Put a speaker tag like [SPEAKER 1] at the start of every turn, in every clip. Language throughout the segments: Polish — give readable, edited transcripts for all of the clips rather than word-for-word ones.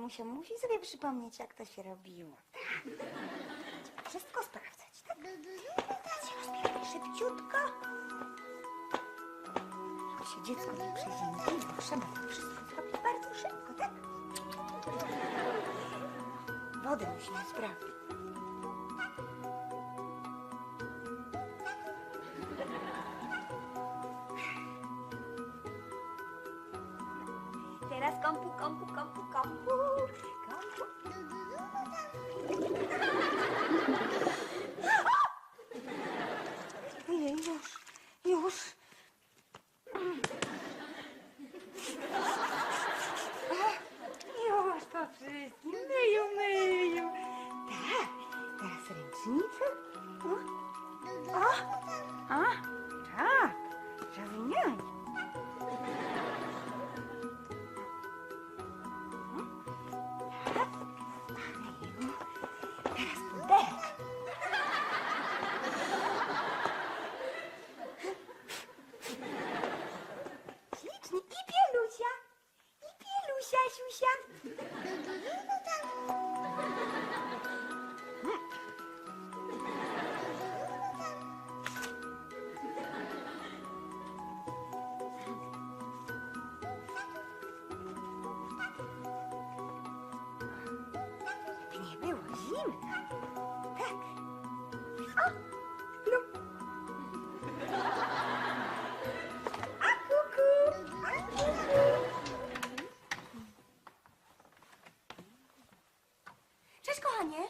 [SPEAKER 1] Damusia musi sobie przypomnieć, jak to się robiło. Tak. Trzeba wszystko sprawdzać, tak? Teraz się rozbieramy szybciutko. Żeby się dziecko nie przeziębiło, trzeba to wszystko zrobić bardzo szybko, tak? Wodę musimy sprawdzić. Teraz kompu. Ojej, już. Już to wszystkim myju. Tak, teraz ręczniczek. Tak, zawinianie. Teraz puderek. Ślicznie. I pielusia, siusia. By nie było zimno. Tak. O, lub. A kuku. Cześć, kochanie.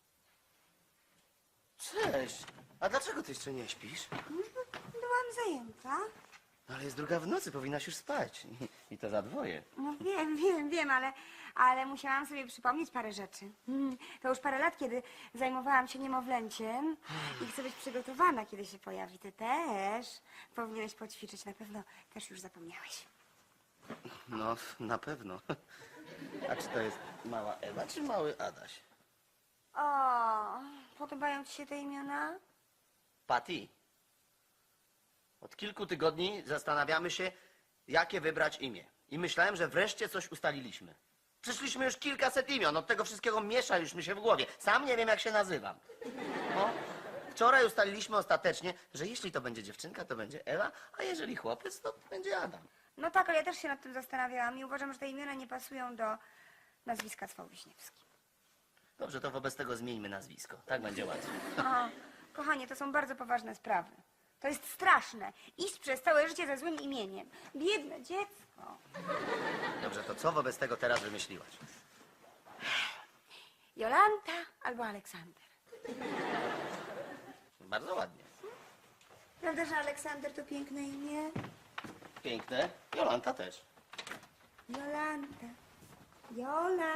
[SPEAKER 2] Cześć. A dlaczego ty jeszcze nie śpisz?
[SPEAKER 1] Byłam zajęta.
[SPEAKER 2] No ale jest 2 w nocy, powinnaś już spać. I to za 2.
[SPEAKER 1] No wiem, ale musiałam sobie przypomnieć parę rzeczy. To już parę lat, kiedy zajmowałam się niemowlęciem i chcę być przygotowana, kiedy się pojawi. Ty też powinieneś poćwiczyć, na pewno też już zapomniałeś.
[SPEAKER 2] No, na pewno. A czy to jest mała Ewa, czy mały Adaś?
[SPEAKER 1] O, podobają ci się te imiona?
[SPEAKER 2] Patty. Od kilku tygodni zastanawiamy się, jakie wybrać imię. I myślałem, że wreszcie coś ustaliliśmy. Przyszliśmy już kilkaset imion, od tego wszystkiego miesza już mi się w głowie. Sam nie wiem, jak się nazywam. No, wczoraj ustaliliśmy ostatecznie, że jeśli to będzie dziewczynka, to będzie Ewa, a jeżeli chłopiec, to będzie Adam.
[SPEAKER 1] No tak, ale ja też się nad tym zastanawiałam i uważam, że te imiona nie pasują do nazwiska Cwał-Wiśniewski.
[SPEAKER 2] Dobrze, to wobec tego zmieńmy nazwisko. Tak będzie łatwiej.
[SPEAKER 1] O, kochanie, to są bardzo poważne sprawy. To jest straszne. Iść przez całe życie ze złym imieniem. Biedne dziecko.
[SPEAKER 2] Dobrze, to co wobec tego teraz wymyśliłaś?
[SPEAKER 1] Jolanta albo Aleksander.
[SPEAKER 2] Bardzo ładnie.
[SPEAKER 1] Prawda, że Aleksander to piękne imię?
[SPEAKER 2] Piękne. Jolanta też.
[SPEAKER 1] Jolanta. Jola.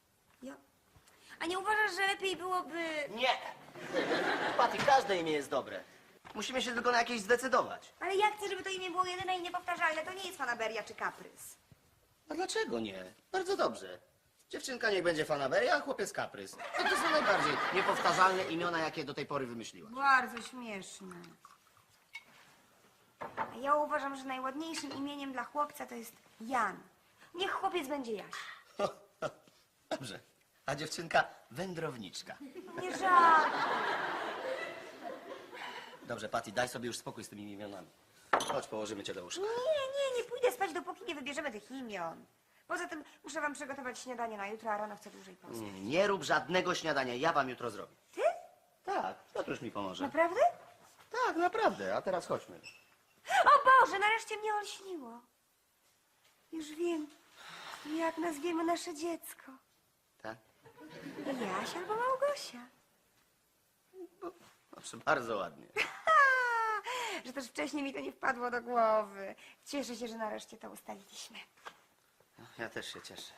[SPEAKER 1] A nie uważasz, że lepiej byłoby...
[SPEAKER 2] Nie! Patty, każde imię jest dobre. Musimy się tylko na jakieś zdecydować.
[SPEAKER 1] Ale ja chcę, żeby to imię było jedyne i niepowtarzalne. To nie jest fanaberia czy kaprys.
[SPEAKER 2] A dlaczego nie? Bardzo dobrze. Dziewczynka niech będzie fanaberia, a chłopiec kaprys. To są najbardziej niepowtarzalne imiona, jakie do tej pory wymyśliłaś.
[SPEAKER 1] Bardzo śmieszne. A ja uważam, że najładniejszym imieniem dla chłopca to jest Jan. Niech chłopiec będzie Jaś.
[SPEAKER 2] Dobrze. A dziewczynka wędrowniczka.
[SPEAKER 1] Nie żal.
[SPEAKER 2] Dobrze, Patty, daj sobie już spokój z tymi imionami. Chodź, położymy cię do łóżka.
[SPEAKER 1] Nie pójdę spać, dopóki nie wybierzemy tych imion. Poza tym muszę wam przygotować śniadanie na jutro, a rano chcę dłużej pospać.
[SPEAKER 2] Nie rób żadnego śniadania, ja wam jutro zrobię.
[SPEAKER 1] Ty?
[SPEAKER 2] Tak, to już mi pomoże.
[SPEAKER 1] Naprawdę?
[SPEAKER 2] Tak, naprawdę, a teraz chodźmy.
[SPEAKER 1] O Boże, nareszcie mnie olśniło. Już wiem, jak nazwiemy nasze dziecko.
[SPEAKER 2] Tak?
[SPEAKER 1] Jaś albo Małgosia.
[SPEAKER 2] Proszę, bardzo ładnie.
[SPEAKER 1] Że też wcześniej mi to nie wpadło do głowy. Cieszę się, że nareszcie to ustaliliśmy.
[SPEAKER 2] Ja też się cieszę.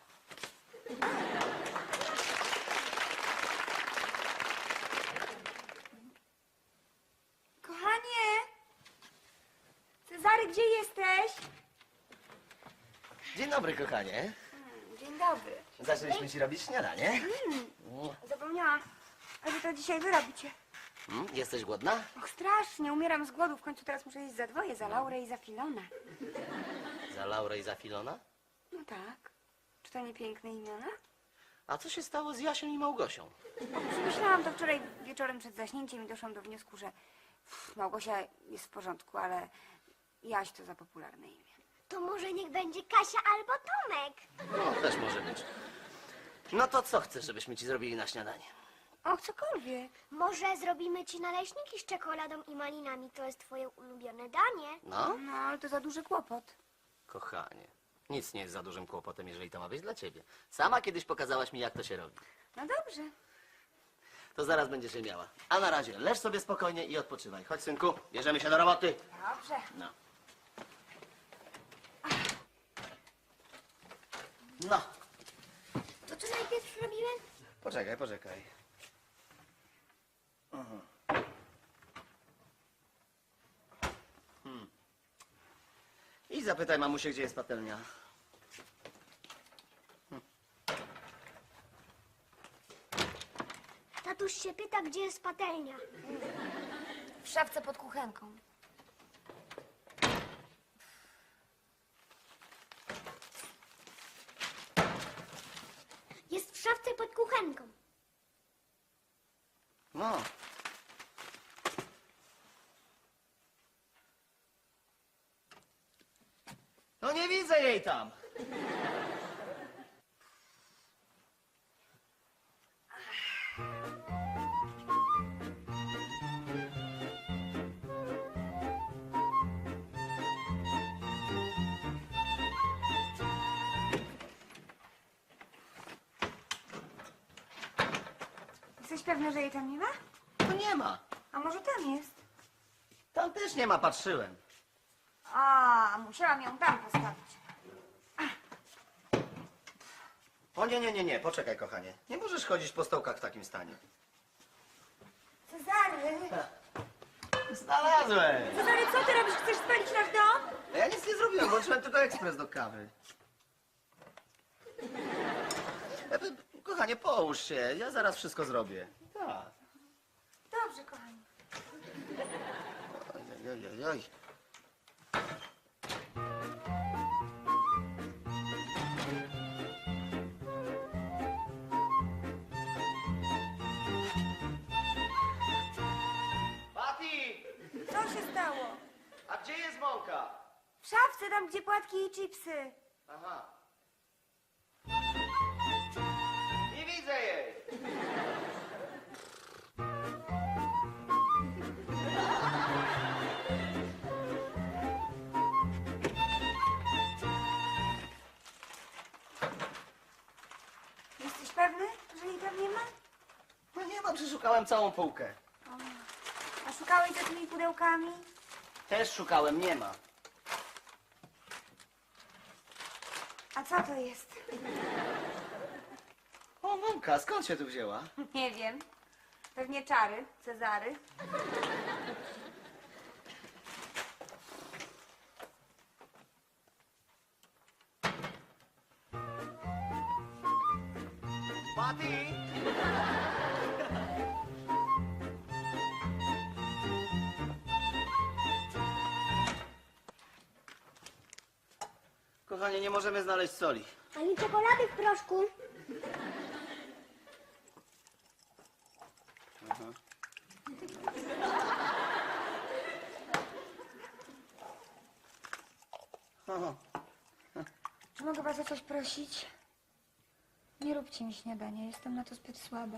[SPEAKER 1] Kochanie! Cezary, gdzie jesteś?
[SPEAKER 2] Dzień dobry, kochanie.
[SPEAKER 1] Dzień dobry.
[SPEAKER 2] Zaczęliśmy ci robić śniadanie.
[SPEAKER 1] Zapomniałam, a wy to dzisiaj wy robicie.
[SPEAKER 2] Jesteś głodna?
[SPEAKER 1] Och, strasznie, umieram z głodu. W końcu teraz muszę jeść za dwoje, za Laurę i za Filona.
[SPEAKER 2] Za Laurę i za Filona?
[SPEAKER 1] No tak. Czy to nie piękne imiona?
[SPEAKER 2] A co się stało z Jasią i Małgosią?
[SPEAKER 1] Przemyślałam to wczoraj wieczorem przed zaśnięciem i doszłam do wniosku, że Małgosia jest w porządku, ale Jaś to za popularne imię.
[SPEAKER 3] To może niech będzie Kasia albo Tomek.
[SPEAKER 2] No, też może być. No to co chcesz, żebyśmy ci zrobili na śniadanie?
[SPEAKER 1] Och, cokolwiek.
[SPEAKER 3] Może zrobimy ci naleśniki z czekoladą i malinami. To jest twoje ulubione danie.
[SPEAKER 2] No,
[SPEAKER 1] No, ale to za duży kłopot.
[SPEAKER 2] kochanie, nic nie jest za dużym kłopotem, jeżeli to ma być dla ciebie. Sama kiedyś pokazałaś mi, jak to się robi.
[SPEAKER 1] No dobrze.
[SPEAKER 2] To zaraz będziesz je miała. A na razie, leż sobie spokojnie i odpoczywaj. Chodź, synku, bierzemy się do roboty.
[SPEAKER 1] Dobrze.
[SPEAKER 2] No. No,
[SPEAKER 3] To co najpierw robimy?
[SPEAKER 2] poczekaj. I zapytaj mamusię, gdzie jest patelnia.
[SPEAKER 3] Tatuś się pyta, gdzie jest patelnia.
[SPEAKER 1] W szafce pod kuchenką.
[SPEAKER 3] Jest w szafce pod kuchenką.
[SPEAKER 2] No. No nie widzę jej tam.
[SPEAKER 1] Jesteś pewny, że jej tam nie ma?
[SPEAKER 2] To nie ma.
[SPEAKER 1] A może tam jest?
[SPEAKER 2] Tam też nie ma, patrzyłem.
[SPEAKER 1] A, musiałam ją tam postawić.
[SPEAKER 2] O nie, poczekaj, kochanie. Nie możesz chodzić po stołkach w takim stanie.
[SPEAKER 1] Cezary!
[SPEAKER 2] Znalazłem!
[SPEAKER 1] Cezary, co ty robisz? Chcesz spalić nasz dom?
[SPEAKER 2] Ja nic nie zrobiłem, włączyłem tylko ekspres do kawy. Kochanie, połóż się, ja zaraz wszystko zrobię. Tak.
[SPEAKER 1] Dobrze, kochani.
[SPEAKER 2] Oj. Pati!
[SPEAKER 1] Co się stało?
[SPEAKER 2] A gdzie jest mąka?
[SPEAKER 1] W szafce, tam gdzie płatki i chipsy.
[SPEAKER 2] Aha. Nie widzę jej.
[SPEAKER 1] Jesteś pewny, że jej tam nie ma?
[SPEAKER 2] No nie ma, przeszukałem całą półkę.
[SPEAKER 1] A szukałeś za tymi pudełkami?
[SPEAKER 2] Też szukałem, nie ma.
[SPEAKER 1] A co to jest?
[SPEAKER 2] O, mąka, skąd się tu wzięła?
[SPEAKER 1] Nie wiem. Pewnie czary, Cezary.
[SPEAKER 2] Pati! Kochanie, nie możemy znaleźć soli.
[SPEAKER 3] Ani czekolady w proszku.
[SPEAKER 2] Aha.
[SPEAKER 1] Czy mogę was o coś prosić? Nie róbcie mi śniadania, jestem na to zbyt słaba.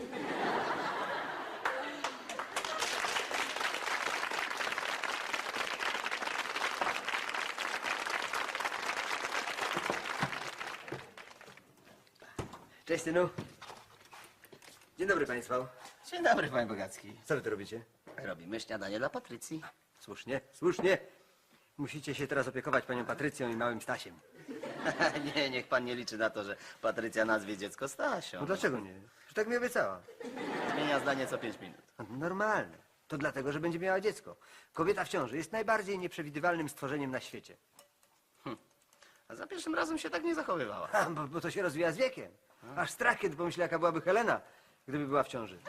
[SPEAKER 4] Cześć, synu. Dzień dobry państwu.
[SPEAKER 2] Dzień dobry, panie Bogacki.
[SPEAKER 4] Co wy tu robicie?
[SPEAKER 2] Robimy śniadanie dla Patrycji.
[SPEAKER 4] Słusznie, słusznie. Musicie się teraz opiekować panią Patrycją i małym Stasiem.
[SPEAKER 2] Nie, niech pan nie liczy na to, że Patrycja nazwie dziecko Stasią.
[SPEAKER 4] No dlaczego nie? Że tak mi obiecała.
[SPEAKER 2] Zmienia zdanie co 5 minut.
[SPEAKER 4] No, normalne. To dlatego, że będzie miała dziecko. Kobieta w ciąży jest najbardziej nieprzewidywalnym stworzeniem na świecie.
[SPEAKER 2] A za pierwszym razem się tak nie zachowywała.
[SPEAKER 4] Bo to się rozwija z wiekiem. Aż strach, kiedy pomyślę, jaka byłaby Helena, gdyby była w ciąży.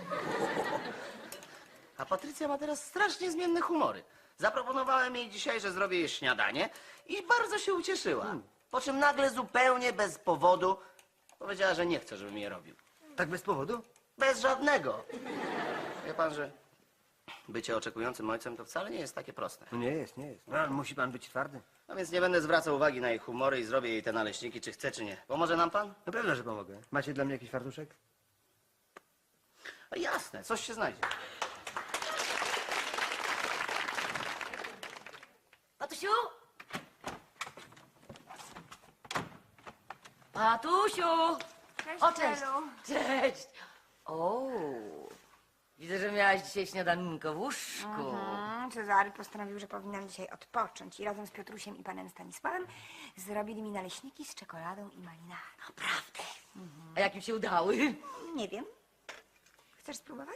[SPEAKER 2] A Patrycja ma teraz strasznie zmienne humory. Zaproponowałem jej dzisiaj, że zrobię jej śniadanie i bardzo się ucieszyła. Po czym nagle zupełnie bez powodu Powiedziała, że nie chce, żebym je robił.
[SPEAKER 4] Tak bez powodu?
[SPEAKER 2] Bez żadnego. Wie pan, że bycie oczekującym ojcem to wcale nie jest takie proste.
[SPEAKER 4] No nie jest, nie jest. No, ale musi pan być twardy.
[SPEAKER 2] No więc nie będę zwracał uwagi na jej humory i zrobię jej te naleśniki, czy chce, czy nie. Pomoże nam pan?
[SPEAKER 4] Na pewno, że pomogę. Macie dla mnie jakiś fartuszek?
[SPEAKER 2] No jasne, coś się znajdzie.
[SPEAKER 5] Patusiu? Patusiu!
[SPEAKER 1] Cześć,
[SPEAKER 5] O, cześć!
[SPEAKER 1] Helu.
[SPEAKER 5] Cześć! O, widzę, że miałaś dzisiaj śniadanko w łóżku.
[SPEAKER 1] Cezary postanowił, że powinnam dzisiaj odpocząć i razem z Piotrusiem i panem Stanisławem zrobili mi naleśniki z czekoladą i malinami.
[SPEAKER 5] Naprawdę? A jak im się udały?
[SPEAKER 1] Nie wiem. Chcesz spróbować?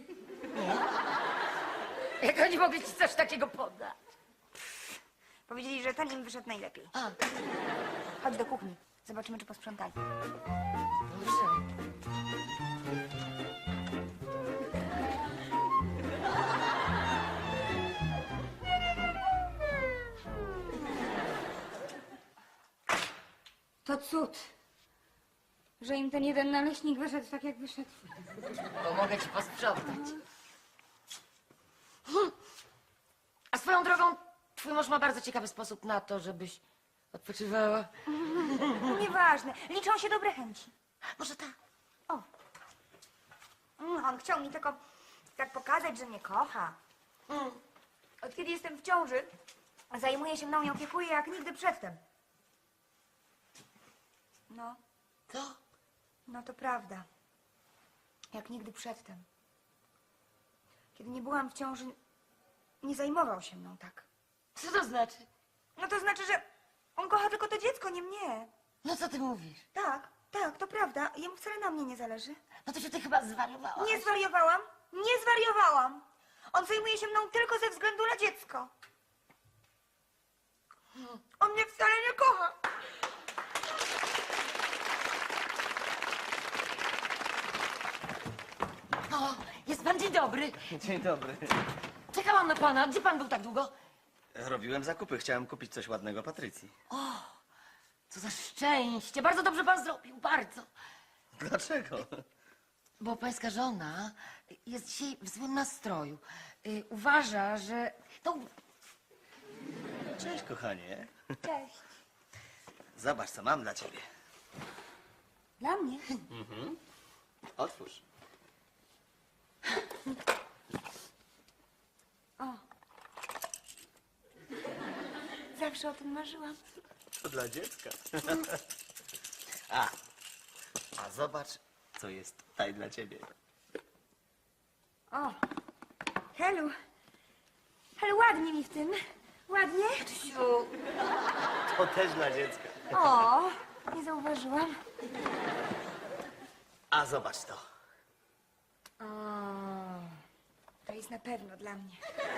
[SPEAKER 5] Jak oni mogli ci coś takiego podać?
[SPEAKER 1] Powiedzieli, że ten im wyszedł najlepiej.
[SPEAKER 5] A,
[SPEAKER 1] Chodź do kuchni. Zobaczymy, czy posprzątali.
[SPEAKER 5] dobrze.
[SPEAKER 1] To cud, że im ten jeden naleśnik wyszedł tak, jak wyszedł.
[SPEAKER 5] Pomogę ci posprzątać. A swoją drogą, twój mąż ma bardzo ciekawy sposób na to, żebyś odpoczywała.
[SPEAKER 1] Nieważne. Liczą się dobre chęci.
[SPEAKER 5] Może tak?
[SPEAKER 1] O. On chciał mi tylko tak pokazać, że mnie kocha. Od kiedy jestem w ciąży, zajmuje się mną i opiekuje jak nigdy przedtem. No,
[SPEAKER 5] To?
[SPEAKER 1] no to prawda. Jak nigdy przedtem. Kiedy nie byłam w ciąży, nie zajmował się mną tak.
[SPEAKER 5] Co to znaczy?
[SPEAKER 1] No to znaczy, że on kocha tylko to dziecko, nie mnie.
[SPEAKER 5] No co ty mówisz?
[SPEAKER 1] Tak, tak, to prawda. Jemu wcale na mnie nie zależy.
[SPEAKER 5] No to się ty chyba zwariowałaś.
[SPEAKER 1] Nie zwariowałam, nie zwariowałam. On zajmuje się mną tylko ze względu na dziecko. On mnie wcale nie kocha.
[SPEAKER 5] O, jest pan dzień dobry.
[SPEAKER 2] Dzień dobry.
[SPEAKER 5] Czekałam na pana. Gdzie pan był tak długo?
[SPEAKER 2] Robiłem zakupy, chciałem kupić coś ładnego Patrycji.
[SPEAKER 5] Co za szczęście. Bardzo dobrze pan zrobił, bardzo.
[SPEAKER 2] Dlaczego?
[SPEAKER 5] Bo pańska żona jest dzisiaj w złym nastroju. Uważa, że... No,
[SPEAKER 2] Cześć, kochanie.
[SPEAKER 1] Cześć.
[SPEAKER 2] Zobacz, co mam dla ciebie.
[SPEAKER 1] Dla mnie?
[SPEAKER 2] Otwórz.
[SPEAKER 1] Zawsze o tym marzyłam.
[SPEAKER 2] To dla dziecka. A zobacz, co jest tutaj dla ciebie.
[SPEAKER 1] O, Helu. Helu, ładnie mi w tym. Ładnie?
[SPEAKER 5] Siu,
[SPEAKER 2] To też dla dziecka.
[SPEAKER 1] O, nie zauważyłam.
[SPEAKER 2] A zobacz to.
[SPEAKER 1] O, to jest na pewno dla mnie.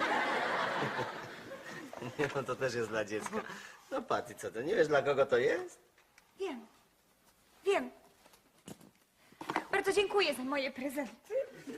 [SPEAKER 2] Nie, no to też jest dla dziecka. No Paty, co to, nie wiesz dla kogo to jest?
[SPEAKER 1] Wiem. Wiem. Bardzo dziękuję za moje prezenty.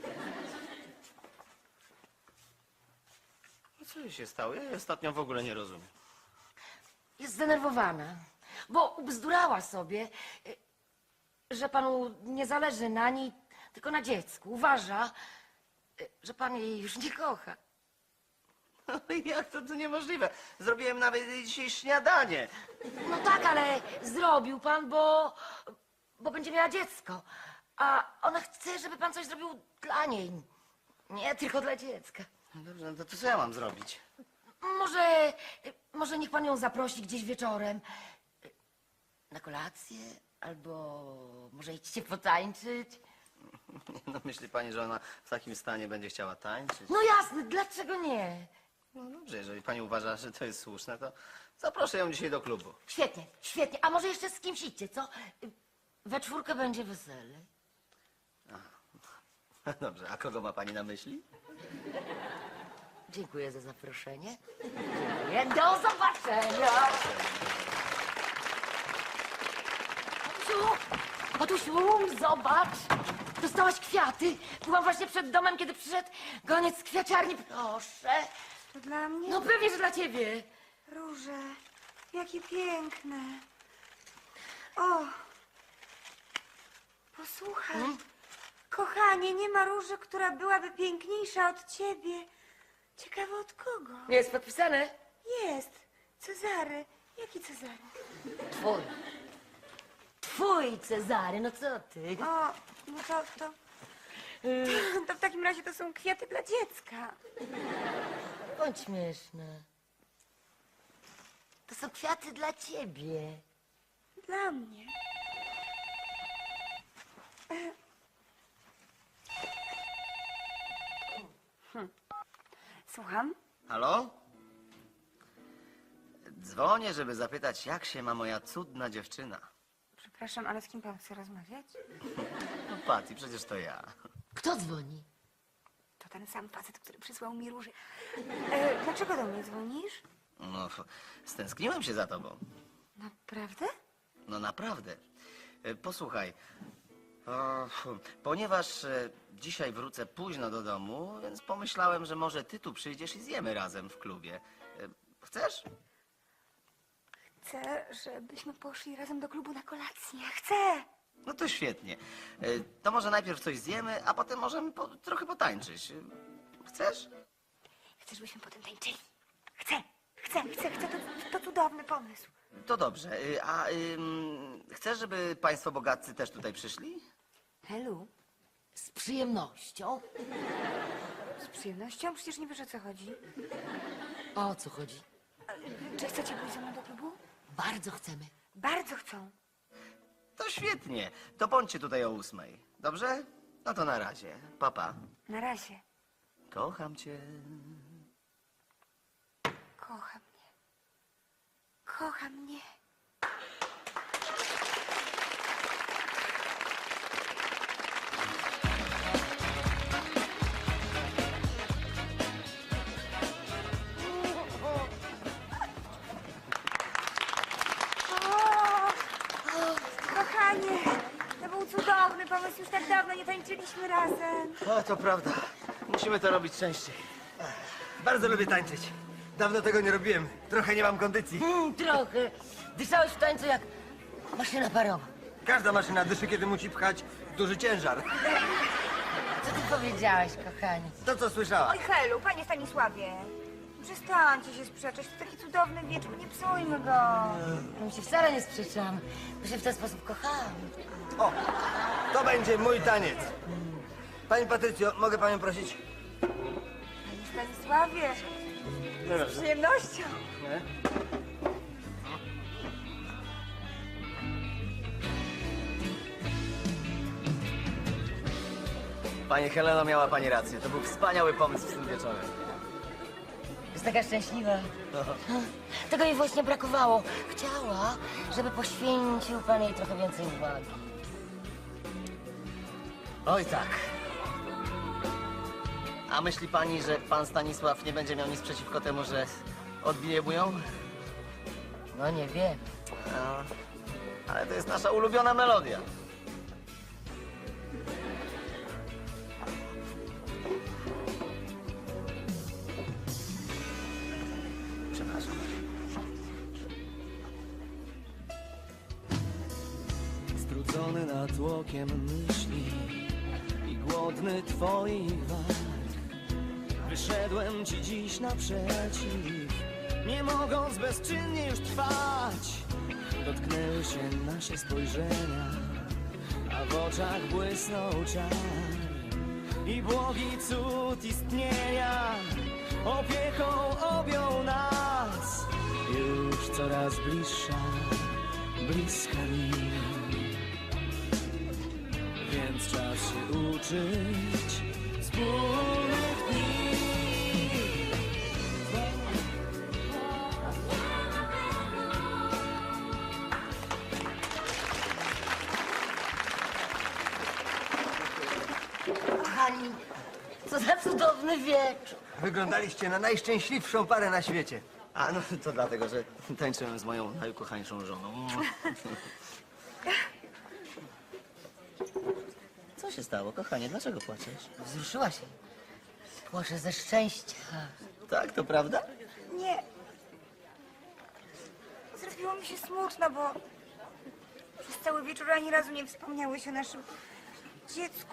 [SPEAKER 2] No co jej się stało? Ja jej ostatnio w ogóle nie rozumiem.
[SPEAKER 5] jest zdenerwowana, bo ubzdurała sobie, że panu nie zależy na niej, tylko na dziecku. Uważa, że pan jej już nie kocha.
[SPEAKER 2] No i jak to niemożliwe? Zrobiłem nawet jej dzisiaj śniadanie.
[SPEAKER 5] No tak, ale zrobił pan, bo będzie miała dziecko. A ona chce, żeby pan coś zrobił dla niej. Nie tylko dla dziecka.
[SPEAKER 2] No dobrze, no to co ja mam zrobić?
[SPEAKER 5] Może niech pan ją zaprosi gdzieś wieczorem. Na kolację, albo może idźcie potańczyć.
[SPEAKER 2] No myśli pani, że ona w takim stanie będzie chciała tańczyć?
[SPEAKER 5] No jasne, dlaczego nie?
[SPEAKER 2] No dobrze, jeżeli pani uważa, że to jest słuszne, to zaproszę ją dzisiaj do klubu.
[SPEAKER 5] Świetnie, świetnie. A może jeszcze z kimś idźcie, co? We czwórkę będzie wesele.
[SPEAKER 2] Dobrze, a kogo ma pani na myśli?
[SPEAKER 5] Dziękuję za zaproszenie. Dziękuję. Do zobaczenia. Patusiu, zobacz. Dostałaś kwiaty. Byłam właśnie przed domem, kiedy przyszedł goniec z kwiaciarni. Proszę.
[SPEAKER 1] To dla mnie?
[SPEAKER 5] No pewnie, że dla ciebie.
[SPEAKER 1] Róże, jakie piękne. O, Posłuchaj, kochanie, nie ma róży, która byłaby piękniejsza od ciebie. Ciekawe od kogo?
[SPEAKER 5] Jest podpisane?
[SPEAKER 1] Jest. Cezary. Jaki Cezary?
[SPEAKER 5] Twój. Twój, Cezary, no co ty?
[SPEAKER 1] O, no to w takim razie to są kwiaty dla dziecka.
[SPEAKER 5] Bądź śmieszna. To są kwiaty dla ciebie.
[SPEAKER 1] Dla mnie. Słucham?
[SPEAKER 2] Halo? Dzwonię, żeby zapytać, jak się ma moja cudna dziewczyna.
[SPEAKER 1] Przepraszam, ale z kim pan chce rozmawiać?
[SPEAKER 2] No Patty, przecież to ja.
[SPEAKER 5] Kto dzwoni?
[SPEAKER 1] To ten sam facet, który przysłał mi róży. Dlaczego do mnie dzwonisz?
[SPEAKER 2] No, stęskniłem się za tobą.
[SPEAKER 1] Naprawdę?
[SPEAKER 2] No naprawdę. Posłuchaj, ponieważ dzisiaj wrócę późno do domu, więc pomyślałem, że może ty tu przyjdziesz i zjemy razem w klubie. Chcesz?
[SPEAKER 1] Chcę, żebyśmy poszli razem do klubu na kolację. Chcę!
[SPEAKER 2] No to świetnie. To może najpierw coś zjemy, a potem możemy trochę potańczyć. Chcesz?
[SPEAKER 1] Chcę, żebyśmy potem tańczyli. Chcę! To cudowny pomysł.
[SPEAKER 2] To dobrze. Chcesz, żeby państwo bogaccy też tutaj przyszli?
[SPEAKER 1] Helu,
[SPEAKER 5] Z przyjemnością.
[SPEAKER 1] z przyjemnością? Przecież nie wiesz, o co chodzi.
[SPEAKER 5] O co chodzi?
[SPEAKER 1] Czy chcecie pójść ze mną do klubu?
[SPEAKER 5] Bardzo chcemy.
[SPEAKER 1] Bardzo chcą.
[SPEAKER 2] To świetnie. To bądźcie tutaj o 8. Dobrze? No to na razie. Papa.
[SPEAKER 1] Na razie.
[SPEAKER 2] Kocham cię.
[SPEAKER 1] Kocha mnie. Kocha mnie. Kochanie, to był cudowny pomysł. Już tak dawno nie tańczyliśmy razem.
[SPEAKER 2] O, to prawda. Musimy to robić częściej.
[SPEAKER 4] Bardzo lubię tańczyć. Dawno tego nie robiłem. Trochę nie mam kondycji.
[SPEAKER 5] Trochę. Dyszałeś w tańcu jak maszyna parowa.
[SPEAKER 4] Każda maszyna dyszy, kiedy musi pchać duży ciężar.
[SPEAKER 5] Co ty powiedziałeś, kochani?
[SPEAKER 4] To, co słyszała.
[SPEAKER 1] Oj, Helu, panie Stanisławie. Przestańcie się sprzeczać. To taki cudowny wieczór. Nie psujmy go.
[SPEAKER 5] My się wcale nie sprzeczamy, bo się w ten sposób kochamy.
[SPEAKER 4] O, to będzie mój taniec. Pani Patrycjo, mogę panią prosić?
[SPEAKER 1] Panie Stanisławie, z przyjemnością.
[SPEAKER 2] Pani Heleno, miała pani rację. To był wspaniały pomysł z tym wieczorem.
[SPEAKER 5] Jest taka szczęśliwa. Tego jej właśnie brakowało. Chciała, żeby poświęcił pan jej trochę więcej uwagi.
[SPEAKER 2] Oj tak. A myśli pani, że pan Stanisław nie będzie miał nic przeciwko temu, że odbije mu ją?
[SPEAKER 5] No nie wiem.
[SPEAKER 2] No, ale to jest nasza ulubiona melodia. Przepraszam.
[SPEAKER 6] Strudzony natłokiem myśli i głodny twoich walk, wyszedłem ci dziś naprzeciw, nie mogąc bezczynnie już trwać. Dotknęły się nasze spojrzenia, a w oczach błysnął czar i błogi cud istnienia opieką objął nas. Już coraz bliższa, bliska mi, więc czas się uczyć wspólnych dni.
[SPEAKER 5] Kochani, co za cudowny wieczór.
[SPEAKER 4] Wyglądaliście na najszczęśliwszą parę na świecie.
[SPEAKER 2] A no to dlatego, że tańczyłem z moją najukochańszą żoną. Co się stało, kochanie? Dlaczego płaczesz?
[SPEAKER 5] Wzruszyła się. Płaczę ze szczęścia.
[SPEAKER 2] Tak, to prawda?
[SPEAKER 1] Nie. Zrobiło mi się smutno, bo Przez cały wieczór ani razu nie wspomniałeś o naszym dziecku.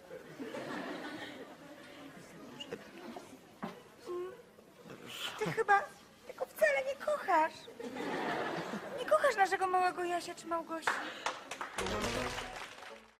[SPEAKER 1] Ty chyba tego wcale nie kochasz. Nie kochasz naszego małego Jasia czy Małgosi.